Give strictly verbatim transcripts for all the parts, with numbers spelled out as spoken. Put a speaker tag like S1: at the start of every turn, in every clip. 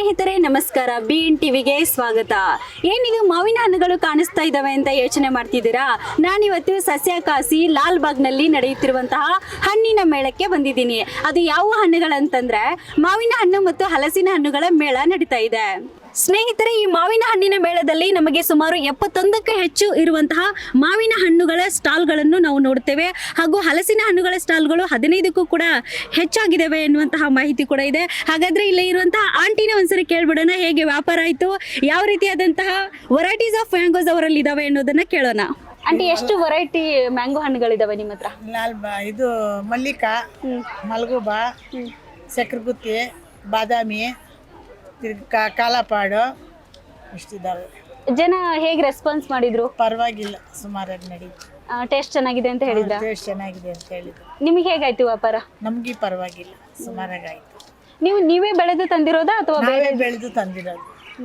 S1: ಸ್ನೇಹಿತರೆ ನಮಸ್ಕಾರ, B N ಟಿವಿಗೆ ಸ್ವಾಗತ. ಏನಿದು ಮಾವಿನ ಹಣ್ಣುಗಳು ಕಾಣಿಸ್ತಾ ಇದ್ದಾವೆ ಅಂತ ಯೋಚನೆ ಮಾಡ್ತಿದ್ದೀರಾ? ನಾನಿವತ್ತು ಸಸ್ಯಕಾಸಿ ಲಾಲ್ ಬಾಗ್ನಲ್ಲಿ ನಡೆಯುತ್ತಿರುವಂತಹ ಹಣ್ಣಿನ ಮೇಳಕ್ಕೆ ಬಂದಿದ್ದೀನಿ. ಅದು ಯಾವ ಹಣ್ಣುಗಳಂತಂದ್ರೆ ಮಾವಿನ ಹಣ್ಣು ಮತ್ತು ಹಲಸಿನ ಹಣ್ಣುಗಳ ಮೇಳ ನಡೀತಾ ಇದೆ. ಸ್ನೇಹಿತರೆ, ಈ ಮಾವಿನ ಹಣ್ಣಿನ ಮೇಳದಲ್ಲಿ ನಮಗೆ ಸುಮಾರು ಎಪ್ಪತ್ತೊಂದಕ್ಕೆ ಹೆಚ್ಚು ಇರುವಂತಹ ಮಾವಿನ ಹಣ್ಣುಗಳ ಸ್ಟಾಲ್ಗಳನ್ನು ನಾವು ನೋಡ್ತೇವೆ. ಹಾಗೂ ಹಲಸಿನ ಹಣ್ಣುಗಳ ಸ್ಟಾಲ್ಗಳು ಹದಿನೈದಕ್ಕೂ ಕೂಡ ಹೆಚ್ಚಾಗಿದ್ದಾವೆ ಎನ್ನುವಂತಹ ಮಾಹಿತಿ ಕೂಡ ಇದೆ. ಹಾಗಾದ್ರೆ ಇಲ್ಲಿ ಇರುವಂತಹ ಆಂಟಿನ ಒಂದ್ಸರಿ ಕೇಳ್ಬಿಡೋಣ, ಹೇಗೆ ವ್ಯಾಪಾರ ಆಯ್ತು, ಯಾವ ರೀತಿಯಾದಂತಹ ವೆರೈಟೀಸ್ ಆಫ್ ಮ್ಯಾಂಗೋಸ್ ಅವರಲ್ಲಿ ಇದಾವೆ ಅನ್ನೋದನ್ನ ಕೇಳೋಣ. ಆಂಟಿ, ಎಷ್ಟು ವೆರೈಟಿ ಮ್ಯಾಂಗೋ ಹಣ್ಣುಗಳಿದಾವೆ ನಿಮ್ಮ ಹತ್ರ?
S2: ಲಾಲ್ ಬಾ ಇದು ಮಲ್ಲಿಕಾ, ಮಲ್ಗುಬಾ, ಸಕ್ರೆಗುತ್ತಿ, ಬಾದಾಮಿ, ತಿರ್ಗಾ ಕಾಲಾಪಾಡು ಇಷ್ಟಿದ್ದಾವೆ.
S1: ಜನ ಹೇಗೆ ರೆಸ್ಪಾನ್ಸ್ ಮಾಡಿದ್ರು?
S2: ಪರವಾಗಿಲ್ಲ, ಸುಮಾರಾಗಿ ನಡೀತು.
S1: ಟೇಸ್ಟ್ ಚೆನ್ನಾಗಿದೆ ಅಂತ ಹೇಳಿದ್ರ?
S2: ಟೇಸ್ಟ್ ಚೆನ್ನಾಗಿದೆ ಅಂತ ಹೇಳಿದ್ರು.
S1: ನಿಮಗೆ ಹೇಗಾಯ್ತು ವ್ಯಾಪಾರ?
S2: ನಮ್ಗೆ ಪರವಾಗಿಲ್ಲ, ಸುಮಾರಾಗಿ ಆಯ್ತು.
S1: ನೀವು ನೀವೇ ಬೆಳೆದು ತಂದಿರೋದಾ ಅಥವಾ ಬೇರೆ?
S2: ನಾವೇ ಬೆಳೆದು ತಂದಿರೋದು.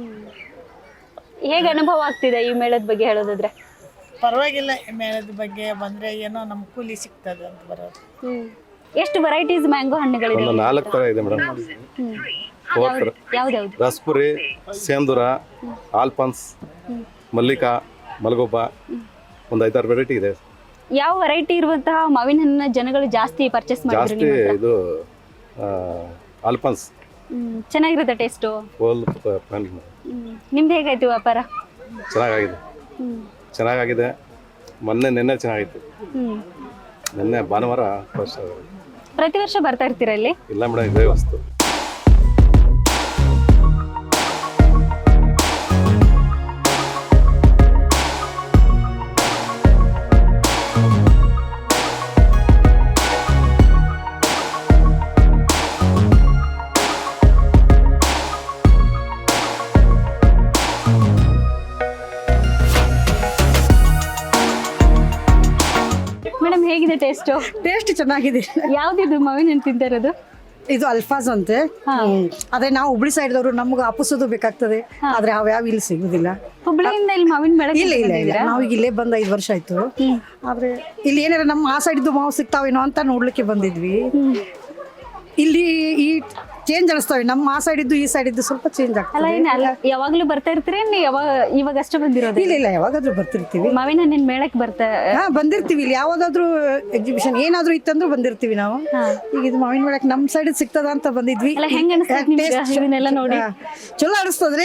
S1: ಹೇಗೆ ಅನುಭವ ಆಗ್ತಿದೆ ಈ ಮೇಳದ ಬಗ್ಗೆ ಹೇಳೋದಾದ್ರೆ?
S2: ಪರವಾಗಿಲ್ಲ, ಮೇಳದ ಬಗ್ಗೆ ಬಂದ್ರೆ ಏನೋ ನಮ್ ಕೂಲಿ ಸಿಗ್ತದೆ ಅಂತ ಬರೋದು.
S1: ಎಷ್ಟು ವೆರೈಟೀಸ್ ಮ್ಯಾಂಗೋ ಹಣ್ಣುಗಳಿದೆ?
S3: ಒಂದು ನಾಲ್ಕು ಥರ ಇದೆ ಮೇಡಮ್.
S1: ಯಾವ್ದಾವ್ದು?
S3: ರಸ್ಪುರಿ, ಸೇಂದುರ, ಆಲ್ಫನ್ಸ್, ಮಲ್ಲಿಕಾ, ಮಲ್ಗೊಬ್ಬ, ಒಂದು ಐದಾರು ವೆರೈಟಿ ಇದೆ.
S1: ಯಾವ ವೆರೈಟಿ ಇರುವಂತಹ ಮಾವಿನ ಹಣ್ಣನ್ನ ಜನಗಳು ಜಾಸ್ತಿ ಪರ್ಚೇಸ್ ಮಾಡಿದ್ರು
S3: ಜಾಸ್ತಿ
S1: ನಿಮ್ಮ ಹತ್ರ?
S3: ಇದು ಆಲ್ಫನ್ಸ್
S1: ಹ್ಮ್, ಚೆನ್ನಾಗಿರುತ್ತೆ ಟೇಸ್ಟು.
S3: ಹೋಲ್
S1: ನಿಮ್ದು ಹೇಗಾಯ್ತು ವ್ಯಾಪಾರ?
S3: ಚೆನ್ನಾಗಿದೆ,
S1: ಹ್ಮ್
S3: ಚೆನ್ನಾಗಿದೆ. ಮೊನ್ನೆ ನಿನ್ನೆ ಚೆನ್ನಾಗಿತ್ತು.
S1: ಹ್ಮ್
S3: ನಿನ್ನೆ ಭಾನುವಾರ ಫಸ್ಟ್.
S1: ಪ್ರತಿ ವರ್ಷ ಬರ್ತಾ ಇರ್ತೀರಾ ಇಲ್ಲಿ?
S3: ಇಲ್ಲ ಮೇಡಮ್, ಇದೇ ವಸ್ತು.
S1: ಮೇಡಮ್, ಹೇಗಿದೆ ಟೇಸ್ಟು?
S4: ಟೇಸ್ಟ್ ಚೆನ್ನಾಗಿದೆ.
S1: ಯಾವ್ದಿದು ಮಾವಿನ ಹಣ್ಣು ತಿಂತಾ ಇರೋದು?
S4: ಇದು ಅಲ್ಫಾಜ್ ಅಂತೆ. ಹ್ಮ್. ಆದ್ರೆ ನಾವು ಹುಬ್ಳಿ ಸೈಡ್ದವ್ರು, ನಮ್ಗೆ ಅಪಸೋದು ಬೇಕಾಗ್ತದೆ, ಆದ್ರೆ ಅವ್ಯಾವ ಇಲ್ಲಿ ಸಿಗುದಿಲ್ಲ.
S1: ಹುಬ್ಳಿಯಿಂದ ಇಲ್ಲಿ ಮಾವಿನ ಬೆಳೆ?
S4: ಇಲ್ಲ ಇಲ್ಲ ಇಲ್ಲ, ನಾವೀಗ ಇಲ್ಲೇ ಬಂದ ಐದು ವರ್ಷ ಆಯ್ತು. ಆದ್ರೆ ಇಲ್ಲಿ ಏನಾರ ನಮ್ಮ ಆ ಸೈಡ್ದು ಮಾವು ಸಿಗ್ತಾವೇನೋ ಅಂತ ನೋಡ್ಲಿಕ್ಕೆ ಬಂದಿದ್ವಿ. ಇಲ್ಲಿ ಈ ಚೇಂಜ್ ಅನಿಸ್ತಾವೆ, ನಮ್ಮ ಆ ಸೈಡ್ ಇದ್ದು ಈ ಸೈಡ್ ಇದ್ದು ಸ್ವಲ್ಪ ಚೇಂಜ್
S1: ಅಲ್ಲ,
S4: ಆಗ್ತದೆ.
S1: ಏನ್ ಅಲ್ಲ, ಯಾವಾಗ್ಲೂ ಬರ್ತಾ ಇರ್ತೀರಿ? ಯಾವಾಗ ಇವಾಗ ಅಷ್ಟೇ ಬಂದಿರೋದು?
S4: ಇಲ್ಲ ಇಲ್ಲ, ಯಾವಾಗಾದ್ರೂ ಬರ್ತಿರ್ತೀವಿ.
S1: ಮಾವಿನ ಹಣ್ಣಿನ ಮೇಳಕ್ಕೆ ಬರ್ತಾ?
S4: ಹಾ, ಬಂದಿರ್ತೀವಿ. ಇಲ್ಲಿ ಯಾವ್ದಾದ್ರು ಎಕ್ಸಿಬಿಷನ್ ಏನಾದ್ರು ಇತ್ತಂದ್ರೂ ಬಂದಿರ್ತೀವಿ ನಾವು. ಈಗ ಇದು ಮಾವಿನ ಬೆಳಕ್ ನಮ್ ಸೈಡ್ ಸಿಗ್ತದ ಅಂತ ಬಂದಿದ್ವಿ.
S1: ಅಲ್ಲ, ಹೆಂಗ್ ಅನಿಸ್ತದೆ ನಿಮ್ಗೆ ಇದನ್ನೆಲ್ಲ ನೋಡಿ?
S4: ಚಲೋ ಅನಿಸ್ತದ್ರಿ.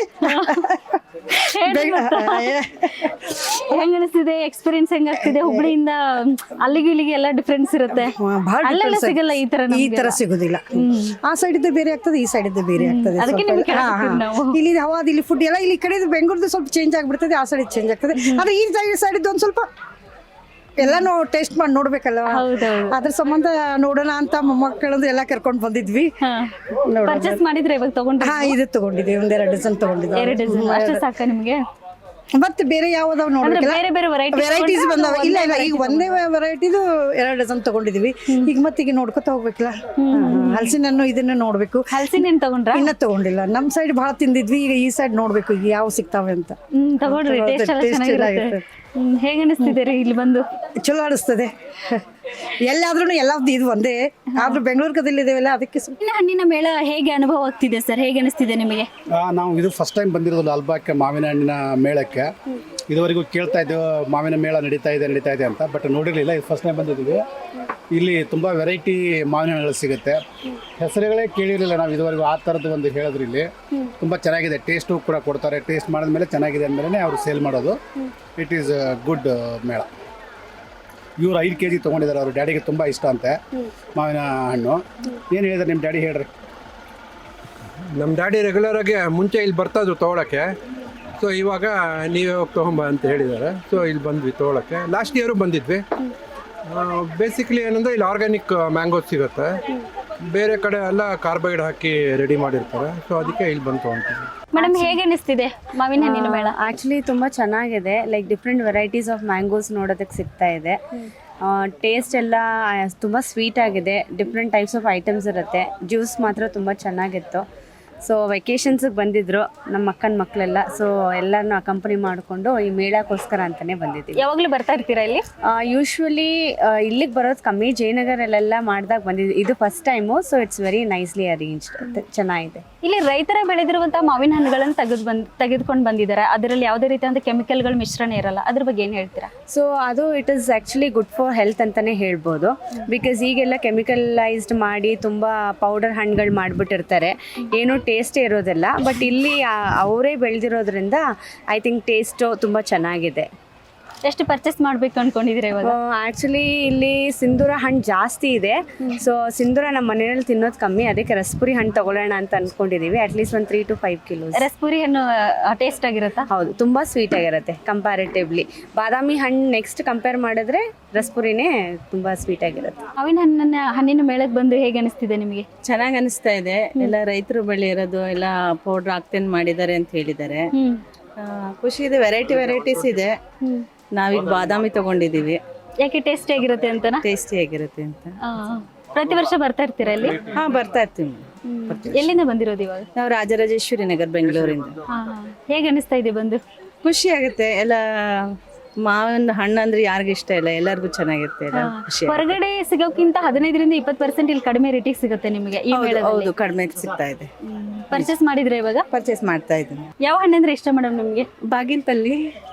S1: ಹೆಂಗ್ ಅನಿಸ್ತಿದೆ? ಎಕ್ಸ್ಪೀರಿಯನ್ಸ್ ಹೆಂಗ್ ಆಗ್ತಿದೆ? ಹುಬ್ಳಿಯಿಂದ ಅಲ್ಲಿಗೆ ಇಲ್ಲಿಗೆ ಎಲ್ಲ ಡಿಫ್ರೆನ್ಸ್ ಇರುತ್ತೆ. ಅಲ್ಲೆಲ್ಲ ಸಿಗಲ್ಲ ಈ ತರ,
S4: ಈ ತರ ಸಿಗುದಿಲ್ಲ. ಆ ಸೈಡ್ ಇದ್ದ ಬೇರೆ ಆಗ್ತದೆ, ಈ ಸೈಡ್ ಇದ್ದ ಬೇರೆ ಆಗ್ತದೆ.
S1: ಅದಕ್ಕೆ ನಿಮ್ಗೆ ಕೇಳಾಕತ್ತೀವಿ ನಾವು.
S4: ಇಲ್ಲಿ ಹವಾದ ಇಲ್ಲಿ ಫುಡ್ ಎಲ್ಲ ಇಲ್ಲಿ ಕಡೆ ಬೆಂಗಳೂರ್ದು ಸ್ವಲ್ಪ ಚೇಂಜ್ ಆಗ್ಬಿಡ್ತದೆ, ಆ ಸೈಡ್ ಚೇಂಜ್ ಆಗ್ತದೆ. ಆದ್ರೆ ಈ ಸೈಡ್ ಇದ್ದು ಒಂದ್ ಸ್ವಲ್ಪ ಎಲ್ಲಾನು ಟೇಸ್ಟ್ ಮಾಡಿ ನೋಡ್ಬೇಕಲ್ಲ, ಅದ್ರ ಸಂಬಂಧ ನೋಡೋಣ ಅಂತ ಮಕ್ಕಳಂದು ಎಲ್ಲ ಕರ್ಕೊಂಡ್ ಬಂದಿದ್ವಿ.
S1: ಪರ್ಚೇಸ್ ಮಾಡಿದ್ರೆ ಇವಾಗ ತಗೊಂಡ್ರೆ?
S4: ಹಾ, ಇದು ತಗೊಂಡಿದ್ದೀವಿ, ಒಂದೆರಡು ಡಜನ್ ತಗೊಂಡಿದ್ದೀವಿ.
S1: ಎರಡು ಡಜನ್ ಅಷ್ಟೇ ಸಾಕ ನಿಮ್ಗೆ?
S4: ಮತ್ತೆ ಬೇರೆ ಯಾವ್ದಾವ್ ನೋಡ್ಬೇಕಲ್ಲ,
S1: ಬೇರೆ ಬೇರೆ
S4: ವೆರೈಟೀಸ್ ಬಂದಾವ. ಇಲ್ಲ ಇಲ್ಲ, ಈಗ ಒಂದೇ ವೆರೈಟಿದು ಎರಡು ಡಜನ್ ತಗೊಂಡಿದೀವಿ. ಈಗ ಮತ್ತೆ ಈಗ ನೋಡ್ಕೊತ ಹೋಗ್ಬೇಕಲ್ಲ, ಹಲಸಿನ ಹಣ್ಣು ಇದನ್ನ ನೋಡ್ಬೇಕು.
S1: ಹಲಸಿನ ಹಣ್ಣು ತಗೊಂಡ್ರ?
S4: ಇನ್ನ ತಗೊಂಡಿಲ್ಲ, ನಮ್ ಸೈಡ್ ಬಹಳ ತಿಂದಿದ್ವಿ. ಈಗ ಈ ಸೈಡ್ ನೋಡ್ಬೇಕು ಈಗ ಯಾವ ಸಿಗ್ತಾವೆ ಅಂತ.
S1: ಹ್ಮ್, ತಗೊಂಡ್ರಿ. ಟೇಸ್ಟ್ ಎಲ್ಲ ಚೆನ್ನಾಗಿರುತ್ತೆ. ಹೇಗೆ ಅನಿಸ್ತಿದೆ ರೀ ಇಲ್ಲಿ ಬಂದು?
S4: ಚಲೋ ಅನಿಸ್ತದೆ. ಎಲ್ಲಾದ್ರೂ ಎಲ್ಲಾವ್ದು ಇದು ಒಂದೇ, ಆದ್ರೂ ಬೆಂಗಳೂರು ಕದಲ್ಲಿದ್ದೇವಲ್ಲ, ಅದಕ್ಕೆ
S1: ಮಾವಿನ ಹಣ್ಣಿನ ಮೇಳ ಹೇಗೆ ಅನುಭವ ಆಗ್ತಿದೆ ಸರ್? ಹೇಗೆ ಅನಿಸ್ತಿದೆ ನಿಮಗೆ?
S5: ನಾವು ಇದು ಫಸ್ಟ್ ಟೈಮ್ ಬಂದಿರೋದು ಲಾಲ್ಬಾಗ್ ಮಾವಿನ ಹಣ್ಣಿನ ಮೇಳಕ್ಕೆ. ಇದುವರೆಗೂ ಕೇಳ್ತಾ ಇದ್ದೇವೆ ಮಾವಿನ ಮೇಳ ನಡೀತಾ ಇದೆ ನಡೀತಾ ಇದೆ ಅಂತ, ಬಟ್ ನೋಡಿರಲಿಲ್ಲ. ಇದು ಫಸ್ಟ್ ಟೈಮ್ ಬಂದಿದ್ದೀವಿ. ಇಲ್ಲಿ ತುಂಬ ವೆರೈಟಿ ಮಾವಿನ ಹಣ್ಣುಗಳು ಸಿಗುತ್ತೆ. ಹೆಸರುಗಳೇ ಕೇಳಿರಲಿಲ್ಲ ನಾವು ಇದುವರೆಗೂ. ಆ ಥರದ್ದು ಒಂದು ಹೇಳಿದ್ರು. ಇಲ್ಲಿ ತುಂಬ ಚೆನ್ನಾಗಿದೆ, ಟೇಸ್ಟು ಕೂಡ ಕೊಡ್ತಾರೆ. ಟೇಸ್ಟ್ ಮಾಡಿದ್ಮೇಲೆ ಚೆನ್ನಾಗಿದೆ ಅಂದಮೇಲೆ ಅವರು ಸೇಲ್ ಮಾಡೋದು. ಇಟ್ ಈಸ್ ಗುಡ್ ಮೇಳ. ಇವರು ಐದು ಕೆ ಜಿ ತೊಗೊಂಡಿದ್ದಾರೆ. ಅವ್ರ ಡ್ಯಾಡಿಗೆ ತುಂಬ ಇಷ್ಟ ಅಂತೆ ಮಾವಿನ ಹಣ್ಣು. ಏನು ಹೇಳಿದಾರೆ ನಿಮ್ಮ ಡ್ಯಾಡಿ? ಹೇಳ್ರಿ.
S6: ನಮ್ಮ ಡ್ಯಾಡಿ ರೆಗ್ಯುಲರಾಗಿ ಮುಂಚೆ ಇಲ್ಲಿ ಬರ್ತಾಯಿದ್ರು ತೊಗೊಳಕ್ಕೆ. ಸೊ ಇವಾಗ ನೀವೇ ಹೋಗಿ ತೊಗೊಂಬ ಅಂತ ಹೇಳಿದ್ದಾರೆ. ಸೊ ಇಲ್ಲಿ ಬಂದ್ವಿ ತೊಗೊಳಕ್ಕೆ. ಲಾಸ್ಟ್ ಇಯರು ಬಂದಿದ್ವಿ. ಬೇಸಿಕ್ಲಿ ಏನಂದರೆ ಇಲ್ಲಿ ಆರ್ಗ್ಯಾನಿಕ್ ಮ್ಯಾಂಗೋಸ್ ಸಿಗುತ್ತೆ. ಬೇರೆ ಕಡೆ ಎಲ್ಲ ಕಾರ್ಬೈಡ್ ಹಾಕಿ ರೆಡಿ ಮಾಡಿರ್ತಾರೆ. ಸೊ ಅದಕ್ಕೆ ಇಲ್ಲಿ ಬಂದು ತೊಗೊಳ್ತೀವಿ.
S1: ಮೇಡಮ್, ಹೇಗೆ ಅನಿಸ್ತಿದೆ ಮಾವಿನ ಹಣ್ಣಿನ ಮೇಳ?
S7: ಆ್ಯಕ್ಚುಲಿ ತುಂಬ ಚೆನ್ನಾಗಿದೆ. Like different varieties of mangoes ನೋಡೋದಕ್ಕೆ ಸಿಗ್ತಾ ಇದೆ. ಟೇಸ್ಟ್ ಎಲ್ಲ ತುಂಬ ಸ್ವೀಟ್ ಆಗಿದೆ. ಡಿಫ್ರೆಂಟ್ ಟೈಪ್ಸ್ ಆಫ್ ಐಟಮ್ಸ್ ಇರುತ್ತೆ. ಜ್ಯೂಸ್ ಮಾತ್ರ ತುಂಬ ಚೆನ್ನಾಗಿತ್ತು. ಸೊ ವೆಕೇಷನ್ಸಿಗೆ ಬಂದಿದ್ರು ನಮ್ಮ ಅಕ್ಕನ ಮಕ್ಕಳೆಲ್ಲ. ಸೊ ಎಲ್ಲರನ್ನೂ ಅಕಂಪನಿ ಮಾಡಿಕೊಂಡು ಈ ಮೇಳಕ್ಕೋಸ್ಕರ ಅಂತಲೇ ಬಂದಿದ್ದೀವಿ.
S1: ಯಾವಾಗಲೂ ಬರ್ತಾ ಇರ್ತೀರಾ ಇಲ್ಲಿ?
S7: ಯೂಶ್ವಲಿ ಇಲ್ಲಿಗೆ ಬರೋದು ಕಮ್ಮಿ. ಜಯನಗರಲ್ಲೆಲ್ಲ ಮಾಡಿದಾಗ ಬಂದಿದ್ವಿ. ಇದು first time. So it's very nicely arranged. ಚೆನ್ನಾಗಿದೆ.
S1: ಈ ಇಲ್ಲಿ ರೈತರ ಬೆಳೆದಿರುವಂತಹ ಮಾವಿನ ಹಣ್ಣುಗಳನ್ನು ತೆಗೆದು ಬಂದ್ ತೆಗೆದುಕೊಂಡು ಬಂದಿದ್ದಾರೆ. ಅದರಲ್ಲಿ ಯಾವುದೇ ರೀತಿಯಾದ ಕೆಮಿಕಲ್ಗಳ ಮಿಶ್ರಣ ಇರಲ್ಲ. ಅದ್ರ ಬಗ್ಗೆ ಏನು ಹೇಳ್ತೀರಾ?
S7: ಸೊ ಅದು it is actually good for health ಅಂತಲೇ ಹೇಳ್ಬೋದು. ಬಿಕಾಸ್ ಈಗೆಲ್ಲ ಕೆಮಿಕಲೈಸ್ಡ್ ಮಾಡಿ ತುಂಬ ಪೌಡರ್ ಹಣ್ಣುಗಳು ಮಾಡಿಬಿಟ್ಟಿರ್ತಾರೆ, ಏನೂ ಟೇಸ್ಟೇ ಇರೋದಿಲ್ಲ. ಬಟ್ ಇಲ್ಲಿ ಆ- ಅವರೇ ಬೆಳೆದಿರೋದ್ರಿಂದ ಐ ಥಿಂಕ್ ಟೇಸ್ಟು ತುಂಬ ಚೆನ್ನಾಗಿದೆ.
S1: ಎಷ್ಟು ಪರ್ಚೇಸ್ ಮಾಡ್ಬೇಕು ಅನ್ಕೊಂಡಿದ್ದೀರಾ ಇವಾಗ?
S7: ಆ್ಯಕ್ಚುಲಿ ಇಲ್ಲಿ ಸಿಂಧೂರ ಹಣ್ಣು ಜಾಸ್ತಿ ಇದೆ. ಸೊ ಸಿಂಧೂರ ನಮ್ಮ ಮನೆಯಲ್ಲಿ ತಿನ್ನೋದು ಕಮ್ಮಿ, ಅದಕ್ಕೆ ರಸ್ಪುರಿ ಹಣ್ಣು ತಗೊಳ್ಳೋಣ ಅಂತ ಅಂದ್ಕೊಂಡಿದ್ದೀವಿ. ಅಟ್ಲೀಸ್ಟ್ ಒಂದು three to five kilos.
S1: Raspuri ಹಣ್ಣು ಟೇಸ್ಟ್ ಆಗಿರುತ್ತಾ?
S7: ಹೌದು, ತುಂಬ ಸ್ವೀಟ್ ಆಗಿರುತ್ತೆ ಕಂಪ್ಯಾರಿಟಿವ್ಲಿ. ಬಾದಾಮಿ ಹಣ್ಣು ನೆಕ್ಸ್ಟ್ ಕಂಪೇರ್ ಮಾಡಿದ್ರೆ ರಸ್ಪುರಿನೇ ತುಂಬ ಸ್ವೀಟ್ ಆಗಿರುತ್ತೆ.
S1: ಮಾವಿನ ಹಣ್ಣನ್ನ ಹಣ್ಣಿನ ಮೇಳಕ್ಕೆ ಬಂದು ಹೇಗೆ ಅನಿಸ್ತಿದೆ ನಿಮಗೆ?
S8: ಚೆನ್ನಾಗಿ ಅನಿಸ್ತಾ ಇದೆ. ಎಲ್ಲ ರೈತರು ಬೆಳೆಯಿರೋದು ಎಲ್ಲ ಪೌಡ್ರ್ ಹಾಕ್ತೇನೆ ಮಾಡಿದ್ದಾರೆ ಅಂತ ಹೇಳಿದ್ದಾರೆ. ಆ, ಖುಷಿ ಇದೆ. ವೆರೈಟಿ ವೆರೈಟೀಸ್ ಇದೆ. ನಾವೀಗ ಬಾದಾಮಿ ತಗೊಂಡಿದ್ದೀವಿ.
S1: ಯಾಕೆ ಟೇಸ್ಟ್ ಆಗಿರುತ್ತೆ ಅಂತನಾ?
S8: ಟೇಸ್ಟಿ ಆಗಿರುತ್ತೆ ಅಂತ.
S1: ಆ, ಪ್ರತಿ ವರ್ಷ ಬರ್ತಾ ಇರ್ತೀರಾ ಇಲ್ಲಿ?
S8: ಹಾ, ಬರ್ತಾ ಇರ್ತೀವಿ.
S1: ಎಲ್ಲಿಂದ ಬಂದಿರೋದು ಇವಾಗ?
S8: ನಾವು ರಾಜರಾಜೇಶ್ವರಿ ನಗರ್ ಬೆಂಗಳೂರಿಂದ.
S1: ಹಾ, ಹೇಗೆ ಅನಿಸ್ತಾ ಇದೆ ಬಂದು?
S8: ಖುಷಿ ಆಗುತ್ತೆ. ಎಲ್ಲ ಮಾವಿನ ಹಣ್ಣು ಅಂದ್ರೆ ಯಾರಿಗೂ ಇಷ್ಟ ಇಲ್ಲ, ಎಲ್ಲರಿಗೂ ಚೆನ್ನಾಗಿರುತ್ತೆ. ಎಲ್ಲ ಖುಷಿ ಆಗುತ್ತೆ.
S1: ಹೊರಗಡೆ ಸಿಗೋಕ್ಕಿಂತ ಹದಿನೈದರಿಂದ ಇಪ್ಪತ್ತು ಪರ್ಸೆಂಟ್ ಇಲ್ಲಿ ಕಡಿಮೆ ರೇಟಿಗೆ ಸಿಗುತ್ತೆ ನಿಮಗೆ ಈ
S8: ಹೌದು,
S1: ಮೇಳದಲ್ಲಿ.
S8: ಹೌದು, ಕಡಿಮೆ ಸಿಗ್ತಾ ಇದೆ.
S1: ಪರ್ಚೇಸ್ ಮಾಡಿದ್ರೆ ಇವಾಗ?
S8: ಪರ್ಚೇಸ್ ಮಾಡ್ತಾ ಇದ್ದೀನಿ.
S1: ಯಾವ ಹಣ್ಣಂದ್ರೆ ಇಷ್ಟ ಮೇಡಮ್ ನಿಮಗೆ?
S9: ಬಾಗಿನಪಲ್ಲಿ,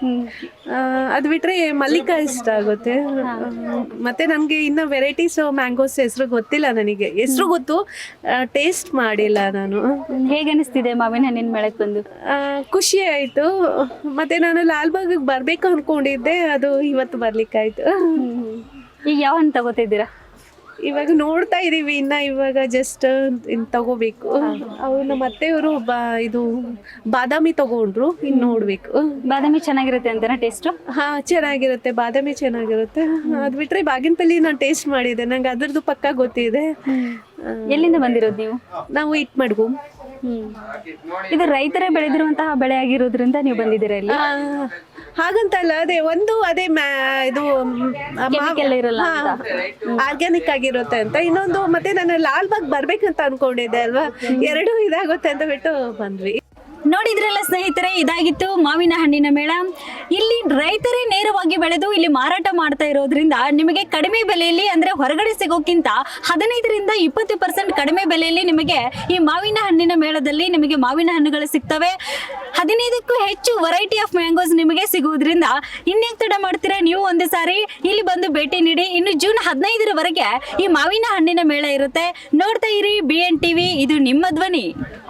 S9: ಅದು ಬಿಟ್ರೆ ಮಲ್ಲಿಕಾ ಇಷ್ಟ ಆಗುತ್ತೆ. ಮತ್ತೆ ನನಗೆ ಇನ್ನು ವೆರೈಟೀಸ್ ಮ್ಯಾಂಗೋಸ್ ಹೆಸರು ಗೊತ್ತಿಲ್ಲ. ನನಗೆ ಹೆಸರು ಗೊತ್ತು, ಟೇಸ್ಟ್ ಮಾಡಿಲ್ಲ ನಾನು.
S1: ಹೇಗೆ ಅನಿಸ್ತಿದೆ ಮಾವಿನ ಹಣ್ಣಿನ ಮೇಳಕ್ಕೆ ಬಂದು?
S9: ಆ, ಖುಷಿ ಆಯಿತು. ಮತ್ತೆ ನಾನು ಲಾಲ್ಬಾಗಿಗೆ ಬರಬೇಕು ಅಂದ್ಕೊಂಡಿದ್ದೆ, ಅದು ಇವತ್ತು ಬರ್ಲಿಕ್ಕಾಯ್ತು.
S1: ಈಗ ಯಾವ ಹಣ್ಣು ತಗೋತಿದ್ದೀರಾ?
S9: ಇವಾಗ ನೋಡ್ತಾ ಇದೀವಿ ಇನ್ನ, ಇವಾಗ ಜಸ್ಟ್ ತಗೋಬೇಕು. ಅವ್ರು ನಮ್ಮ ಅತ್ತೆಯವರು ಬಾ ಇದು ಬಾದಾಮಿ ತಗೊಂಡ್ರು, ಇನ್ನು ನೋಡ್ಬೇಕು.
S1: ಬಾದಾಮಿ ಚೆನ್ನಾಗಿರುತ್ತೆ ಅಂತನಾ ಟೇಸ್ಟು?
S9: ಹಾ, ಚೆನ್ನಾಗಿರುತ್ತೆ. ಬಾದಾಮಿ ಚೆನ್ನಾಗಿರುತ್ತೆ. ಅದು ಬಿಟ್ರೆ ಬಾಗಿನಪಲ್ಲಿ ನಾನು ಟೇಸ್ಟ್ ಮಾಡಿದೆ, ನಂಗೆ ಅದ್ರದ್ದು ಪಕ್ಕ ಗೊತ್ತಿದೆ.
S1: ಎಲ್ಲಿಂದ ಬಂದಿರೋದು ನೀವು?
S9: ನಾವು ಇಟ್ ಮಾಡ್ಗು.
S1: ಹ್ಮ್. ಇದು ರೈತರೇ ಬೆಳೆದಿರುವಂತಹ ಬೆಳೆ ಆಗಿರೋದ್ರಿಂದ ನೀವು ಬಂದಿದ್ದೀರಾ ಇಲ್ಲಿ?
S9: ಹಾಗಂತಲ್ಲ, ಅದೇ ಒಂದು ಅದೇ ಮ್ಯಾ ಇದು
S1: Chemical ಇರಲ್ಲ ಅಂತ.
S9: ಆರ್ಗ್ಯಾನಿಕ್ ಆಗಿರುತ್ತೆ ಅಂತ. ಇನ್ನೊಂದು ಮತ್ತೆ ನಾನು ಲಾಲ್ಬಾಗ್ ಬರ್ಬೇಕಂತ ಅನ್ಕೊಂಡಿದ್ದೆ ಅಲ್ವಾ, ಎರಡು ಇದಾಗುತ್ತೆ ಅಂತ ಬಿಟ್ಟು ಬಂದ್ವಿ.
S1: ನೋಡಿದ್ರಲ್ಲ ಸ್ನೇಹಿತರೆ, ಇದಾಗಿತ್ತು ಮಾವಿನ ಹಣ್ಣಿನ ಮೇಳ. ಇಲ್ಲಿ ರೈತರೇ ನೇರವಾಗಿ ಬೆಳೆದು ಇಲ್ಲಿ ಮಾರಾಟ ಮಾಡ್ತಾ ಇರೋದ್ರಿಂದ ನಿಮಗೆ ಕಡಿಮೆ ಬೆಲೆಯಲ್ಲಿ, ಅಂದ್ರೆ ಹೊರಗಡೆ ಸಿಗೋಕ್ಕಿಂತ ಹದಿನೈದರಿಂದ ಇಪ್ಪತ್ತು ಪರ್ಸೆಂಟ್ ಕಡಿಮೆ ಬೆಲೆಯಲ್ಲಿ ನಿಮಗೆ ಈ ಮಾವಿನ ಹಣ್ಣಿನ ಮೇಳದಲ್ಲಿ ನಿಮಗೆ ಮಾವಿನ ಹಣ್ಣುಗಳು ಸಿಗ್ತವೆ. ಹದಿನೈದಕ್ಕೂ ಹೆಚ್ಚು ವೆರೈಟಿ ಆಫ್ ಮ್ಯಾಂಗೋಸ್ ನಿಮಗೆ ಸಿಗುವುದರಿಂದ ಇನ್ಯಾಕೆ ತಡ ಮಾಡ್ತೀರಾ, ನೀವು ಒಂದು ಸಾರಿ ಇಲ್ಲಿ ಬಂದು ಭೇಟಿ ನೀಡಿ. ಇನ್ನು ಜೂನ್ ಹದಿನೈದರವರೆಗೆ ಈ ಮಾವಿನ ಹಣ್ಣಿನ ಮೇಳ ಇರುತ್ತೆ. ನೋಡ್ತಾ ಇರಿ ಬಿ ಎನ್ ಟಿವಿ, ಇದು ನಿಮ್ಮ ಧ್ವನಿ.